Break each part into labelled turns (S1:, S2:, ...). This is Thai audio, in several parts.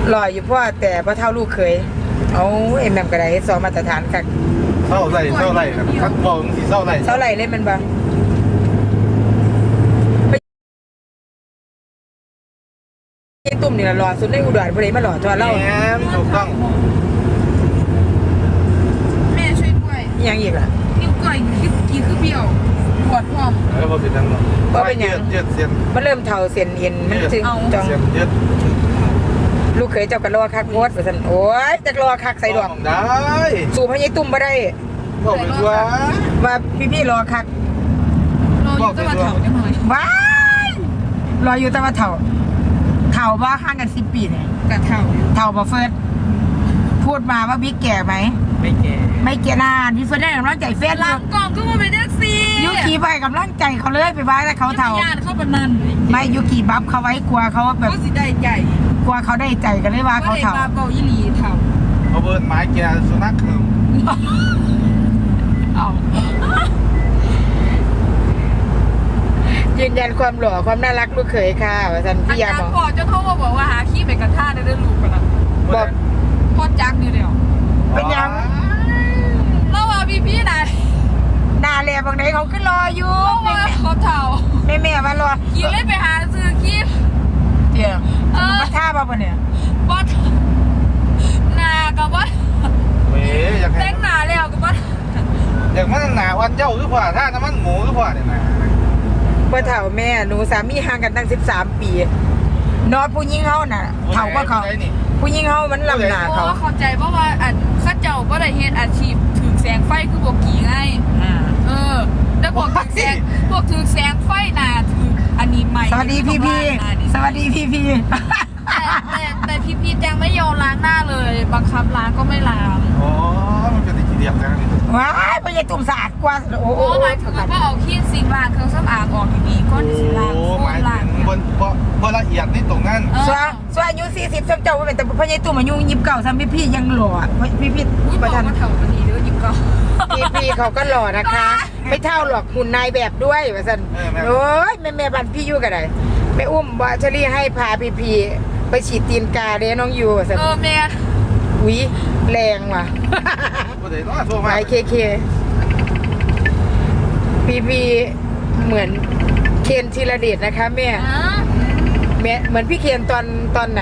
S1: หล่ออยู่พ่อแต่พอเท่าลูกเคยเอาเอ็มแอมกระไดสองมาตรฐานค่ะ
S2: เศร้าไรคัดบอลสีเศร้าไร
S1: เล่นมันบ้างตุ่มนี่ละหล่อสุดในอุดรพอดีมาหล่อทอเล่า
S2: ถูกต้อง
S3: แม่ช่วยกล้วย
S1: ยังอีกล่ะ
S3: นิ้วกล้วยกี่คือเบี้ยวปวดพร้อม
S2: แล้วพอเป็นยังไง
S1: ก็เป็นยัง
S2: เสียน
S1: มันเริ่มเท่าเสียนเอ็นมันจึงจองลูกเคยเจ้ากันรอคักโคตรสันโอ้ยจะรอคักใส่ดอก
S2: ได้
S1: สู่พญายตุ่มมาได้
S2: บอกเลยว่า
S1: พี่รอคัก
S3: รออยู่ตะวันเถาจังหน่อย
S1: ว้ายรออยู่ตะวันเถาว่าห่างกัน10 ปีเนี่ย
S3: กับเถา
S1: บ่เฟิร์สพูดมาว่าบิ๊กแก่ไหมไม่แก่นานพี่เฟิร์สได้กำลังใจเฟซ
S3: หลังกล่องก็มาเป็นแท็กซี่
S1: ยุกีไปกำลังใจเขาเลยไปบ้านแต่เขาเถา
S3: เข้าปนัน
S1: ไม่ยุกีบัฟเขาไว้กลัวเขาแบบ
S3: ก็สิได้ใจ
S1: กลัวเขาได้ใจกันเลยว่าเขาเถา
S3: เบายี่หลีเถา
S2: เขาเบิร์นไม้แกสุนัขคือ
S1: ยืนยันความหล่อความน่ารักลูกเขยค่ะว่าท่านพี่ยาบอก
S3: พ่อจะโทรมาบอกว่าหาขี้ไปกระท่าได้เรื่องลูกกันนะ
S1: บอก
S3: พ่อจักอยู่เดียว
S1: เป็นยัง
S3: เราว่าพี่ไหน
S1: นาเล่บางไหนเขาขึ้นรออยู่
S3: เขาเถา
S1: แม่มารอ
S3: ขี้เลยไปหาซื้อขี้
S1: เดี๋ยวมาท่าป่ะเนี่ย
S3: บอสนากับว่าแต่งหนาแล้วกับว่า
S2: อย่างมันหนาวันเจ้าหรือเปล่าถ้าน้ำมันหมูหรือเปล่าเนี่ยนะ
S1: เพื่อเถ่าแม่หนูสามีห่างกันตั้ง13 ปีนอดผู้หญิงเขาน่ะเถ่าก็เขาผู้หญิงเขามันลำหนาเขา
S3: เข้าใจเพราะว่าข้าเจ้าก็ได้เฮ็ดอาชีพถือแสงไฟคือพวกกี่ไงแล้วพวกถือแสงไฟน่ะถืออันนี้ใหม่
S1: สวัสดีพี่
S3: แต่พี่แจงไม่ยอมล้างหน้าเลยบังคับล้างก็ไม่ล้าง
S2: อ๋อมันเป็นที่เดียบนะ
S1: ว้ายไม่ใช่ตุ่มสะอาดกว่า
S3: โอ้หมายถึงว่าเอาขี้ซิงล้างเครื่องสำอางออกดีๆก้อนซิงล้าง
S2: โอ้หมายถึงบนละเอียดนี่ตรงนั้น
S1: ส่วนอายุ40ซ้ำเจ้าเป็นแต่พญายตุ่มอายุ29ซ้ำพี่ยังหล่อพี่
S3: ประธานเท่ากันดีด้วย
S1: พี่เขาก็หล่อนะคะไม่เท่าหรอกหุ่นนายแบบด้วยว่าสันโอ้ยแม่บันพี่ยู่กันไหนแม่อุ้มว่าเชอรี่ให้พาพี่ไปฉีดตีนกาเด้น้องยูสัน
S3: แม่
S1: วิแรงว่ะไปเคพี่เหมือนเคนธีรเดชนะคะแม่เหมือนพี่เคนตอนไหน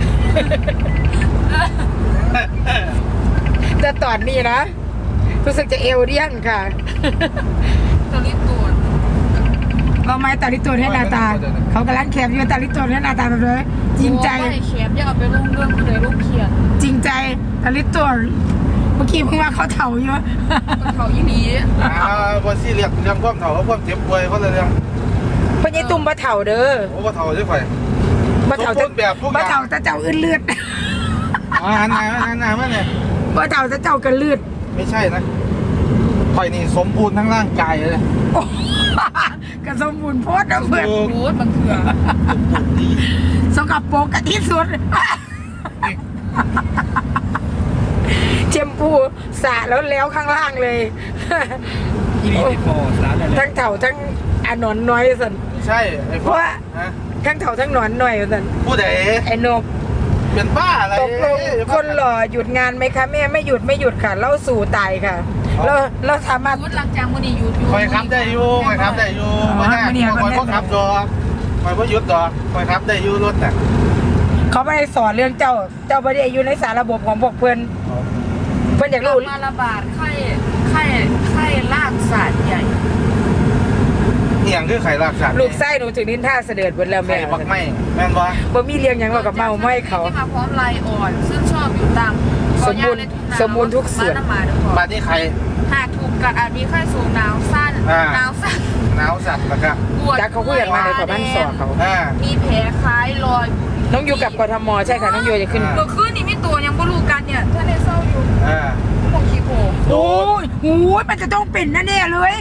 S1: จะตอนนี้นะรู้สึกจะเอวเดี้ยงค่ะ
S3: ตาลิโตน
S1: เราไม่ตาลิโตนให้นาตาเขากำลังแคบอยู่ตาลิโตนให้นาตาแบบเลยจริงใจ
S3: ไม่แคบอย่าเอาไปลงเรื่องคือเลยลูกเขียน
S1: จริงใจตาลิโตนเมื่อกี้เพิ่งว่าเขาเถาอยู่
S3: เขายี่หลี
S2: บอซี่เรียกเรื่องความเถาความเจ็บป่วยเขาเลยเรื่อง
S1: พญายตุ่มมาเถาเด้อ
S2: โอ้มาเถาใช่ไหม
S1: มาเถาจะ
S2: แบบ
S1: มาเถาจะเจ้าอื่นเลือด
S2: อันไหนมาเนี่ย
S1: มาเถาจะเจ้ากันเลือด
S2: ไม่ใช่นะไข่นี่สมบูรณ์ทั้งร่างกายเลย
S1: กระสมบูรณ์โพดนะเพื่อน
S3: โพดบางเถื่อ
S1: สกปรกกันที่สุดเชมพูสระแล้วข้างล่างเลยทั้งเถาทั้งหนอนน้อยสัน
S2: ใช่
S1: เพราะทั้งเถาทั้งหนอนน้อยสัน
S2: ผู้ใด
S1: ไอ้นก
S2: เป็นบ้าอะไร
S1: ตกลงคนหล่อหยุดงานไหมคะแม่ไม่หยุดค่ะเล่าสู่ตายค่ะเราสามารถ
S3: หลังจากวันนี้หยุด
S2: คอยครับได้อยู่ไม่ยคอยพ่อครับดอกคอยพ่อหยุดดอกคอยครับได้อยู่รถแต่
S1: เขาไม่ได้สอนเรื่องเจ้าไม่ได้อยู่ในสารระบบของพวกเพื่อนอยากรู้
S3: มาระบาดไข้ลากสาดใหญ่
S2: อย่างคือไข่ลากสาด
S1: ลูกไส้หนูถึงนิ้นท่าเสด็จบนแล้วแม่
S2: บักไม่แม่นวะ
S1: บ่มีเลี้ยงยังว่ากับเมาไม่เขา
S3: ที่มาพร้อมลายอ่อนซึ่งชอบอยู่ตาม
S1: สมบูรณ์ทุกส่วน
S2: บ้านนี้ใคร
S3: หากถูกกัดอาจมีไข้สูงหนาวสั้น
S2: นะครับ
S1: จากเขาคุยกันมาในกว่าบ้านสอเขา
S3: มีแผลคล้ายรอย
S1: น้องอยู่กับกทมใช่ค่ะน้องโยจะขึ้น
S3: ตัวขึ้นนี่ไม่ตัวยังบ่รู้กันเนี่ยถ้าได้เศร้าอยู่มองขี้โผ
S1: โอ้ยมันจะต้องเป็นแน่เลย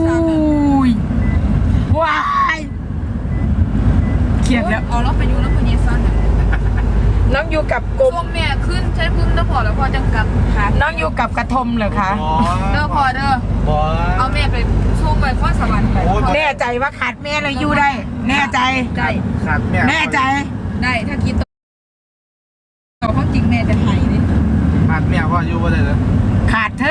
S1: ว้ายเขียนแล้ว
S3: เอาเราไปอยู่แล้วพญาซัน
S1: น้องอยู่กับกรม
S3: แม่ขึ้นใช้พึ่งแล้วพอแล้วพอจังกับขา
S1: น้องอยู่กับกระทมเหรอคะ
S3: เด้อพอเด้อเอาแม่ไปช่วงไปข้อสวรรค์ไป
S1: แน่ใจว่าขาดแม่เลยอยู่ได้แน่ใจ
S2: ขาดแม่
S1: แน่ใจ
S3: ได้ถ้าคิด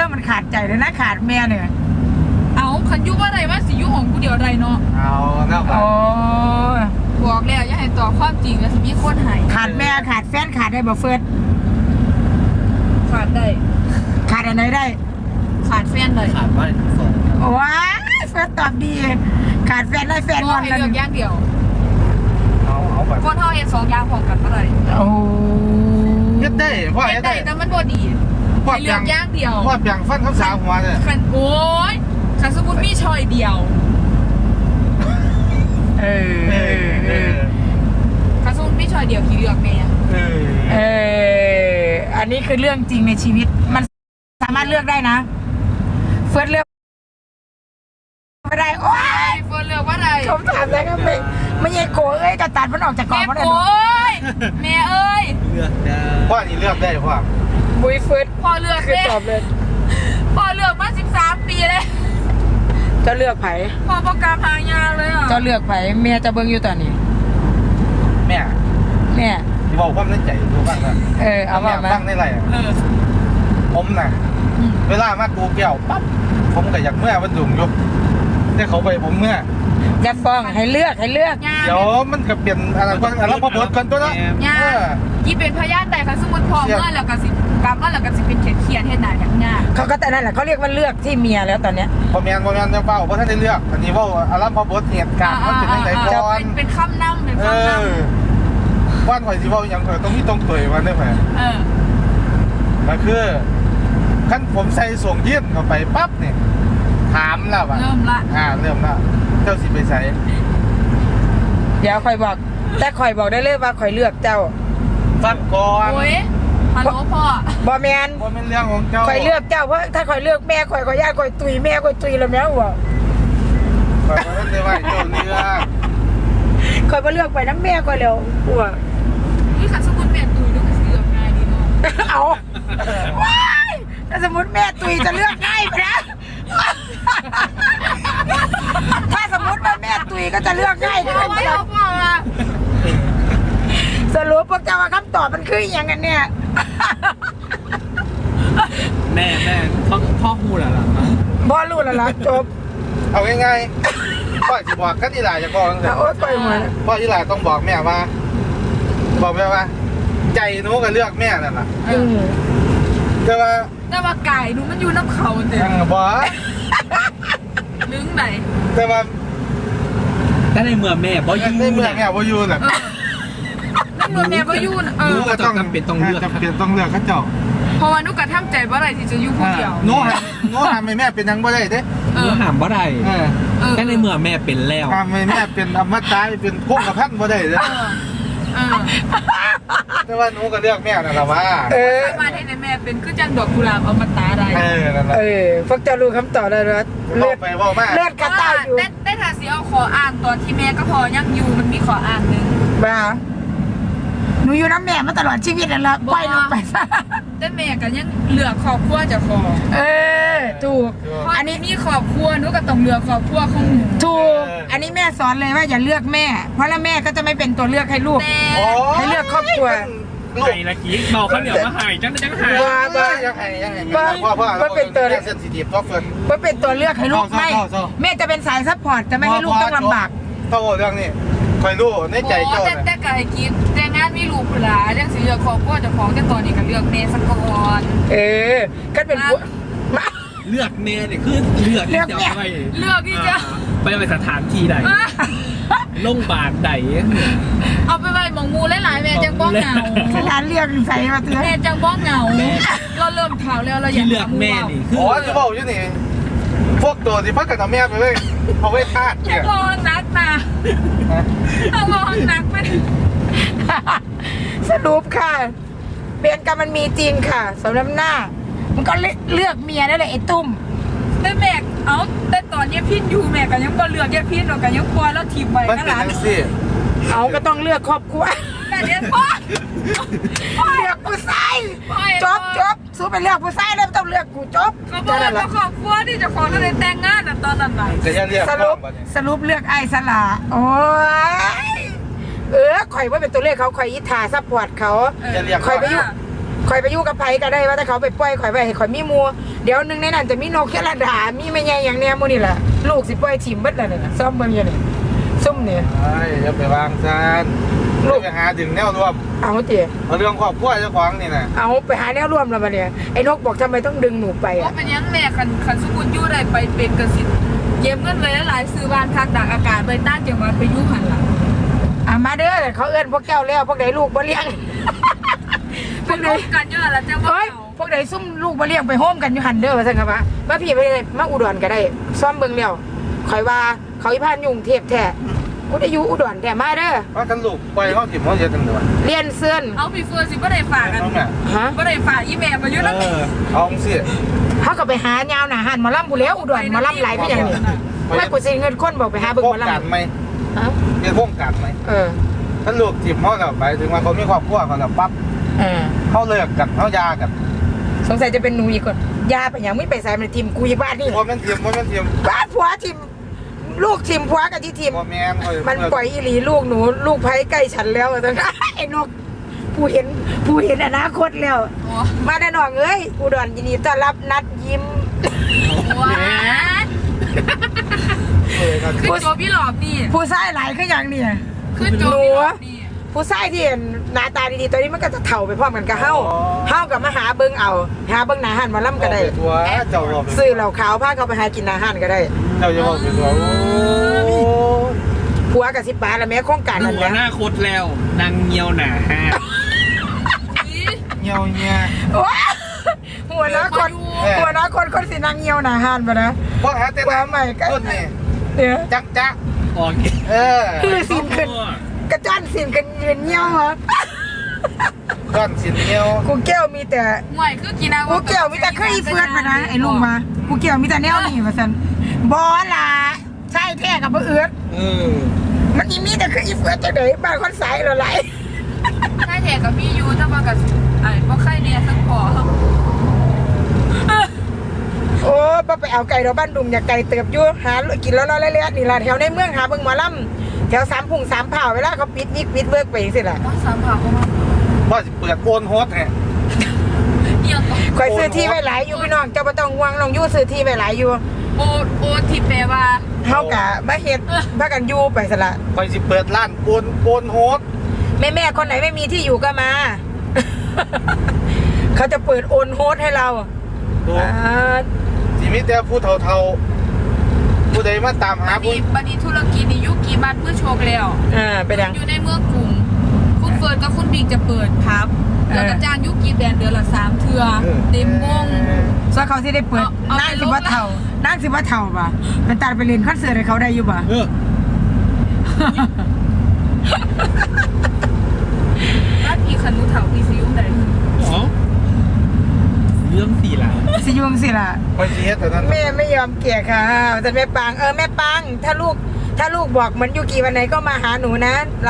S1: มันขาดใจเลยนะขาดแม่เนี่ย
S3: เอาคันยุว่าอะไรว่าสิยุของกูเดียวอะไรเนาะ
S2: เอาหน้าไป
S1: โอ้
S3: บอกแล้วอย่าให้ต่อความจริงแล้วสิมีคนหาย
S1: ขาดแม่ขาดแฟนขาดได้บ่เฟิร์ส
S3: ขาดได้
S1: ขาดอะไรได้
S3: ขาดแฟนเลย
S4: ขาดว่าสอง
S1: ว้าเฟิร์สตอบดีขาดแฟนได้แฟน
S3: ม
S1: ง
S3: อ
S1: อง น
S3: ให้
S1: กัน
S3: เลือกอย่างเดียว
S2: เอาไป
S3: คนเฮาเห็น2อย่างพร้อมกันบ่ได้
S1: โอ้
S2: ยัดได้พ่อ
S3: เห็
S2: ยั
S3: น
S2: ด
S3: ได้
S2: ได้
S3: แต่มันบ่ดี
S2: พ่อ
S3: ให้เลือกอย่างเดียว
S2: พ่อเปียงฟันคำสาวหัวเนี่ย
S3: คันโอ้ยคันสมมุติมีชอยเดียว
S1: เออ
S3: คันสมมุติมีชอยเดียวกี่เลือกแม่
S1: เอออันนี้คือเรื่องจริงในชีวิตมันสามารถเลือกได้นะเฟิร์สเลือกไม่ได้โอ้ย
S3: เฟิร์นเลือกว่าอะไร
S1: คำถามแล้วก็ไม่ใช่โกเอ้ยกระตัดมันออกจากกล่อง
S3: แม่
S1: มันเลย
S3: โอ้ยแม่เอ้ย
S4: เลือกได้
S2: พ่อนี่เลือกได้พ่อ
S1: บุยเฟิร์ส
S3: พ่อเลือก
S1: คือ
S3: เลย
S1: ตอบเลย
S3: พ่อเลือกมา13 ปีเลย
S1: เจ้าเลือกไผ
S3: พ่อประกาศหายาเลยอ่ะ
S1: เจ้าเลือกไผเมียจะเบิ่งอยู่ตอนนี้
S2: แม่
S1: แม่
S2: ที่บอกความในใจดูบ้างนะ
S1: เอาว่ามา
S2: บ้างในไร
S3: เออ
S2: ผมน่ะ เวลามากูแก้วปั๊บผมก็อยากเมื่อวันดุงยกแต่เขาไปผมเมื่อ
S1: จะฟ้องให้เลือก
S3: ยา
S2: เดี๋ยวมันก็เปลี่ยนอะไรก่อนอะไรพอบดก่อนตัวเนาะ
S3: ยายี่เป็นพยานแต่คันสมมุติพ่อเมื่อแล้วก็สิกลับมาแล้วก็สิเป็นเขียนเฮ็ดหน้าอย่างยาก
S1: เขาก็แต่นั่นแหละเขาเรียกว่าเลือกที่เมียแล้วตอนเนี้ย
S2: พอแมนเนี่ยเป้าเพราะท่านได้เลือกอันนี้ว่าอารมณ์พอบดเหตุการณ์มันเป็นยังไงก่อน
S3: เป็นคำนำเป็น
S2: เอ
S3: คำน
S2: อว่านข่อยสิเว่าอย่างข่อยต้องมีตรงเผยมันได้ไหม
S3: ำเออ
S2: ก็คือขั้นผมใส่ส่งยื่นเข้าไปปั๊บเนี่ยถามแล้วว่า
S3: เริ่มละ
S2: เริ่มละเจ้าสิไปใส่
S1: เดี๋ยวคอยบอก แต่คอยบอกได้เลยว่าคอยเลือกเจ้า
S2: ฟังก่อน
S3: โอ้ยฮัลโหลพ่อบ
S1: อแมน
S2: ว่าเป็นเรื่องของเจ้า
S1: คอยเลือกเจ้าเพราะถ้าคอยเลือกแม่คอยญาติคอยตุยแม่คอยตุยแล้วแม่หัว
S2: ข่อยบ่ทันได้ว่าเจ้าเลือก
S1: คอยมาเลือกไปน้ำแม่คอยเร็วหัว
S3: นี่คันสมมุติแม่ตุยดูก็สิเลือกง่ายดีเนาะ
S1: เอาว้ายถ้าสมมติแม่ตุยจะเลือกง่ายไปนะถ้าสมมติว่าแม่ตุยก็จะเลือกง่ายขึ้
S3: เอา
S1: น
S3: ไว้เอาพ่อมา
S1: สรุปพวกเจ้าว่าคำตอบมันคืออย่างกันเนี่ย
S4: แม่พ่อพูดอะไรล่ะ
S1: บอรู้แล้วล่ะจบ
S2: เอาง่ายๆพ่อสิบอกกันอีหลาจะบอกจังซี่
S1: โอ๊ยปล่อยมัน
S2: พ่ออีหลาต้องบอกแม่ว่า บอกแม่ว่า ใจหนูก็เลือกแม่นั่นน่ะ
S1: อืม
S2: แต่ว่า
S3: แต่ว่าไก่ดูมันอยู่น้ำเขาเต็ม
S2: บ่
S3: ลึงไหน
S2: แต่ว่า
S4: แต่ในเมื่อแม่บ่อยู่
S2: ในเมืองแม่บ่อยู่น่ะ
S3: นั่นหนูแม่ก็อยู่น่ะเออ
S4: ก็ต้องจำเป็นต้องเลือก
S2: จำเป็นต้องเลือกเขาเจ้า
S3: เพราะว่านุกกระทำใจว่าอะไรที่จะอยู่ผู้เดียว
S2: หนูหามให้แม่เป็นหยังบ่ได้เด้
S3: เอ
S4: หนู
S3: อ
S4: หามบ่ได้
S2: เออ
S4: แต่ในเมื่อแม่เป็นแล้ว
S2: หามให้แม่เป็นอมตะเป็นพวกกระพันบ่ได้เด้
S3: เออ
S2: แต่ว่าหนูก็เลือกแม่นั่นล่ะว่า
S1: เออ
S3: สามารถให้ในแม่เป็นคือจังดอกกุหลาบเอามาตาได้
S2: นั่นล่ะ
S1: เออพวกเจ้ารู้คำตอบแล้วนะ
S2: เลื
S1: เลื
S2: อ
S1: อด
S2: ไปเว้ามา
S1: เลือดกระต่ายอยู่
S3: ได้ทาสีเอาขออ่านตอนที่แม่ก็พอยังอยู่มันมีขออ่านหนึ่ง
S1: บ้าหนูอยู่น้ำแม่มาตลอดชีวิตนั่นแหละปล่อยลงไปซะ
S3: แต่แม่ก็ยังเหลือครอบครัวจะขอ
S1: เออถูก
S3: อันนี้มีครอบครัวนุกก็ต้องเหลือครอบครัวของหนู
S1: ถูกอันนี้แม่สอนเลยว่าอย่าเลือกแม่ เพราะแล้วแม่ก็จะไม่เป็นตัวเลือกให้ลูก
S3: แต่
S1: ให้เลือกครอบครัว
S2: ลูก
S4: ไห้ละกี้เบาข้าวเหนียวมาหายจังหาย
S1: ว่าว่า
S2: ยังไงพ่อเซนซิทีฟพ่อเฟิร์น
S1: ว่าเป็นตัวเลือกให้ลูกไม่
S2: เศร้า
S1: แม่จะเป็นสายซัพพอร์ตจะไม่ให้ลูกต้องลำบาก
S2: โตเรื่องนี้คอยรู้ในใจเจ้า
S3: แต่ไก่กินแต่งานมีลูกหลานเรื่องสิเลือกครอบครัวเจะของแต่ตอนนี้ก็เลือกแม่สักก่อน
S1: เออก็เป็นผัวมา
S4: เลือกแม่เนี่ยคือเลือกที่จะไป
S3: เลือกที่จะ
S4: ไปสถานที่ใดโรงพยาบาลใด
S3: เอาไปไว้หมองมูหลายๆแม่จังบ้องเหงา
S1: สถานเลือกใส่มาเตือน
S3: แม่จังบ้องเหงาเราเริ่มเท่าแล้วเราอยา
S4: ที่
S3: ก
S4: เลือกแม่นี่คือ
S2: อ๋อจะบอกอยู่นี่พวกตัวที่พักกับแม่ไปเลยเอาไว้ท่า
S3: อ
S2: เนี่ย
S3: ย่ารอนักนะต้องรอนักไป
S1: สรุปค่ะเปลี่ยนกรรมมันมีจริงค่ะสำหรับหน้า มันก็เลือกเมียนั่นแหละไอ้ตุ้ม
S3: แต่แม่เอาแต่ตอนนี้พี่อยู่แม่ก็ยังบ่เลือกแย่พี่หรอกก็ยังปล่อยแล้วถีบไว้
S2: มัน
S3: นั่น
S2: เป็น
S3: หลาน
S2: จังสิ
S1: เอาก็ต้องเลือกครอบครัว
S3: แม่เรียนพ่อ
S1: เลือกผู้ชายจบสู้ไปเลือกผู้ชายแล้วไม่ต้องเลือกกูจบ
S3: เขาบอกว่าครอบครัวที่เจะของนั่นเลยแต่งงานตอนนั้นไหน
S2: จะยังเรียก
S1: สรุปเลือกไอ้สละโอ้ยข่อยว่าเป็นตัวเลขเขาข่อยอิทาซัพพอร์ตเขา
S2: จะเรียก
S1: ข่อยไปอยู่ข่อยไปอยู่กับไผก็ได้ว่าถ้าเขาไปปล่อยข่อยไว้ให้ข่อยมีหมู่เดี๋ยวนึงในนั้นจะมีนกแค่ระดามีแม่ใหญ่อย่างแน่หมู่นี่ล่ะลูกสิปล่อยถิ่มเบิดแล้วนี่ซ่อมเบิ่งอยู่นี่ซุ่มนี่
S2: ไอ้อย่าไปวางซานลูกไปหาถึงแนวรวม
S1: เอาติ
S2: เอาเรื่องครอบครัวเจ้าของนี่นะ
S1: เอาไปหาแนวร่วมแล้วบัดเนี่ยไอ้นกบอกทำไมต้องดึงหนูไป
S3: เพราะ
S1: อ่ะ
S3: เป็นยังแม่คันสกุลยู่ได้ไปเป็นกสิทธิ์เก็บเงินไว้หลายซื้อบ้านพักตากอากาศไปต้านจังหวัดไปอยู่หันหลัง
S1: มาเด้อเขาเอิ้นพวกแก้วแล้วพวกใดลูกบ่เลี้ยง พ
S3: เป็
S1: วน กใด
S3: ร่วมกันเยอะแล้วแต่ว่า
S1: เฮ้ยพวกใดซุ่มลูกบ่เลี้ยงไปโฮมกันอยู่หันเด้อว่าซั่นครับว่าพี่ไปเลยมาอุดรก็ได้ซ่อมเบิ่งแล้วข่อยว่าเขาอีพานยุ่งเทพแท้กูได้อยู่อุดรแต่มาเด้อ
S2: ว่ากันลูกปล่อยเขาถิ่มเขาเยอะจังเลย
S1: เรียนเสื้อน
S3: เอาพี่เฟิร์นสิบ่ได้ฝากกัน
S2: น้องแม่
S1: ฮะ
S3: บ่ได้ฝากอีแม่มาอยู่แล้ว
S2: เอาสิ
S1: เขาก็ไปหายาวหนาหันหมาล่ำบุแล้วอุดรหมาล่ำหลายพี่อย่างนี้ไม่กูสิเงินคนบอกไปหาเบิ่ง
S2: โคร
S1: ห
S2: ง
S1: มา
S2: การ
S1: ล่ำ
S2: ไหม
S1: ฮะ
S2: เป็นโครงการไหม ถ้าลูกถิ่มเขาแบบไปถึงว่าเขามีครอบครัวเขาแบบปั๊บเขาเลิกกันเขายากัน
S1: สงสัยจะเป็นหนูอีกคนยาไปอย่างไม่ไปใส่มันทีมกูอีกบ้านนี่
S2: พอมันถิ่มพอมันถิ่ม
S1: บ้านผัวทีมลูกทีมผัวกับที่ทีม
S2: พอแม่
S1: มันปล่อยอีหลีลูกหนูลูกไผ่ใกล้ฉันแล้วตอนนั้นไอ้นกผู้เห็นอนาคตแล้ว
S3: โอ้
S1: มาแน่นอนเอ้ยอุดรยินดีต้อนรับนัดยิ้ม
S3: ว้าคือโจพี่หลอบนี่
S1: ผู้ชายหลายคืออย่างนี้
S3: คือโจพี่หลอบนี่
S1: ผู้ชายที่หน้าตาดีๆตอนนี้มันก็จะเถ่าไปพร้อมกันกับเฮากับมาหาเบิ่งเอาหาเบิ่งหนาหันมาล่ำก็ได้
S2: ตัวเจ้าบอก
S1: ซื้อเหล่าขาวพาเขาไปหากินอาหารก็ได้
S2: เจ้าจะบอกเป็นตัวโอ้
S1: ผัวกับ10 บาทละแม่โครงการ
S4: ดู
S1: นั่นแหละ
S4: หน้าคตแล้วนางเงียวหนาห้า
S2: เงี้ยวเงี้ย
S1: ว้าหัวน้าคนสินางเหี่ยวหนาหันบ่นะ
S2: เพราะหาแต่
S1: ว่าใหม่ก็
S2: ต้นนี่
S1: เนี่ย
S2: จักจัก
S4: ออก
S1: คือสินขึ้นกระจ้อนสินกันยืนเหี่ยวเหรอ
S2: ก้อนสินเงี้ยว
S1: กูแก้วมีแต่
S3: ห่วยคือกินเอา
S1: กูแก้วมีแต่เคยอีเฟือดมานะไอ้ลุงมากูแก้วมีแต่แนวนี่ว่าซั่นบ่ล่ะใช่แท้กับบ่เอื้อ มันอีมีแต่คืออีเฟือจะเดยบ้านคนสายเราไหล
S3: ใช่แท้กับพี่ยูถ้ามากับไอ้บ่ไข่เนี่ยสักพอ
S1: โอ้ป้าไปเอาไก่เราบ้านดุงอยากไก่เติบอยู่หากินแล้วเละๆนี่ล่ะแถวในเมืองหาเบิ่งหมอลำแถว3 พุ่ง 3 เผาเวลาเขาปิดยิกปิดเวิร์กไปจังซี่ล่ะ
S3: ว่าสามผ่าก็มา
S2: ว่าสิเปิดโอนโฮสแฮะ
S3: เอียงก็
S1: ข่อยซื้อที่ไว้หลายอยู่พี่น้องเจ้าบ่ต้องห่วงน้องอยู่ซื้อที่ไว้หลายอยู่
S3: โอที่แปลว่า
S1: เฮากะมาเฮ็ดพากันอยู่ไปซะละ
S2: คอยสิเปิดร้านโอนโฮส
S1: แม่ๆคนไหนไม่มีที่อยู่ก็มา เขาจะเปิดโอนโฮสให้เรา
S2: ตัว
S1: อ่า
S2: สิมีแต่ผู้เฒ่าๆผู้ใดมาตามหาผู้
S3: บัดนี้ธุรกิจนี่ยุกี่บัตรเพื่อโชคแล้ว
S1: เป็นยัง
S3: อยู่ในเมืองกรุงคุณเฟิร์นกับคุณบิ๊กจะเปิดพับแล้วก็จ้างยุกี่แบรนด์เดือนละ3 เทื่อเต็มวง
S1: ซอยเขาสิได้เปิด
S3: เอา
S1: นั่ง
S3: ไป
S1: สิว่าเท่านั่งสิว่าเท่าป่ะเป็นตาไปเรียนคอนเสิร์ตให้เขาได้อยู่ป่ะ
S3: บ้านพี่คันรู้เถ่าพี่ซิวได้
S4: เรื่องสี่หลัง
S1: สิยุ่งสิล่ะ
S2: คอยสิเฮ็ดเท่านั้น
S1: แม่ไม่ยอมเกลียดค่ะแต่แม่ปังแม่ปังถ้าลูกบอกเหมือนยูกีวันไหนก็มาหาหนูนะ